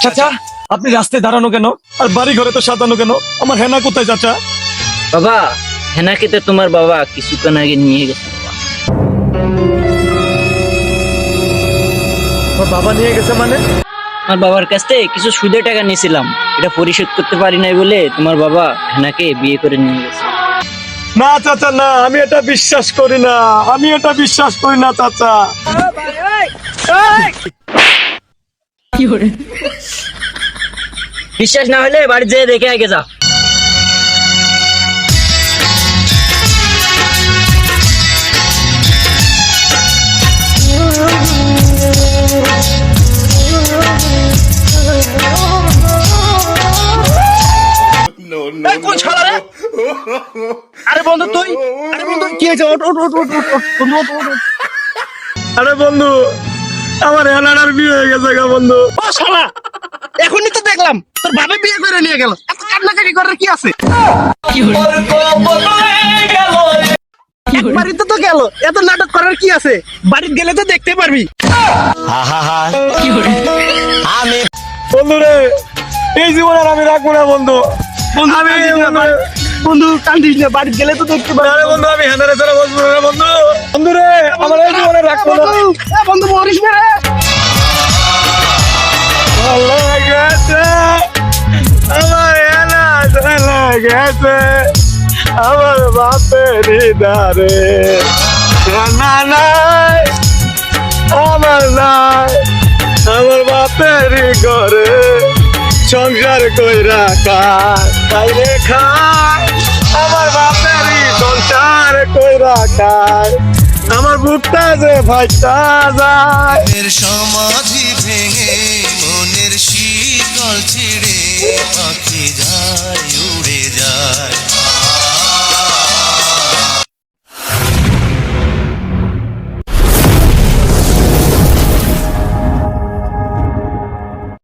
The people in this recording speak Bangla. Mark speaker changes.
Speaker 1: চাচা আপনি রাস্তায় দাঁড়ানো কেন আর বাড়ি ঘরে তো সাজানো কেন? আমার হেনা কোথায় চাচা?
Speaker 2: বাবা, হেনাকে তো তোমার বাবা কিছুক্ষণ আগে নিয়ে গেছে বাবা।
Speaker 1: আমার বাবা নিয়ে গেছে মানে?
Speaker 2: আমার বাবার কাছ থেকে কিছু সুদে টাকা নিয়েছিলাম, এটা পরিশোধ করতে পারি নাই বলে তোমার বাবা হেনাকে বিয়ে করে নিয়ে গেছে।
Speaker 1: না চাচা না, আমি এটা বিশ্বাস করি না, আমি এটা বিশ্বাস করি না চাচা।
Speaker 2: বিশ্বাস না হলে বাড়ি যেয়ে দেখে আগে যা।
Speaker 3: এই কোন শালা রে? আরে বন্ধু তুই, আরে বন্ধু কি হয়েছে? ওঠ ওঠ ওঠ ওঠ ওঠ, ওঠ, বন্ধু ওঠ ওঠ, ওঠ।
Speaker 1: আরে বন্ধু, আমার হেনার বিয়ে হয়ে গেছে গা বন্ধু।
Speaker 3: ও শালা, এখনই তো দেখলাম তোর বাবা বিয়ে করে নিয়ে গেল, এত কান্নাকাটি করার কি আছে? বাড়িতে তো গেল, এত নাটক করার কি আছে? বাড়িতে গেলে তো দেখতে পারবি।
Speaker 1: বন্ধু রে, এই জীবন আর আমি রাখবো না বন্ধু।
Speaker 3: বন্ধু
Speaker 1: আমি
Speaker 3: কান্দিস না, বন্ধু কান্দিস না, বাড়িতে গেলে তো দেখতে পারবি।
Speaker 1: আরে বন্ধু, আমি হেনারে ছাড়া বসবো না বন্ধু। বন্ধু রে, আমার এই জীবনে রাখবো না।
Speaker 3: বন্ধু মরিস না রে।
Speaker 1: ভালো গেছে আমার হেনা, চলে গেছে আমার বাপের দারে। হেনা নাই আমার নাই, আমার বাপের ঘরে সংসার কইরা খাইরে খায়, আমার বাপের সংসার কইরা খায়, আমার বুকটা যে ভাইটা যায়।
Speaker 4: মনের সমাধি ভেঙে মনের শীতল ছিঁড়ে পাখি যায়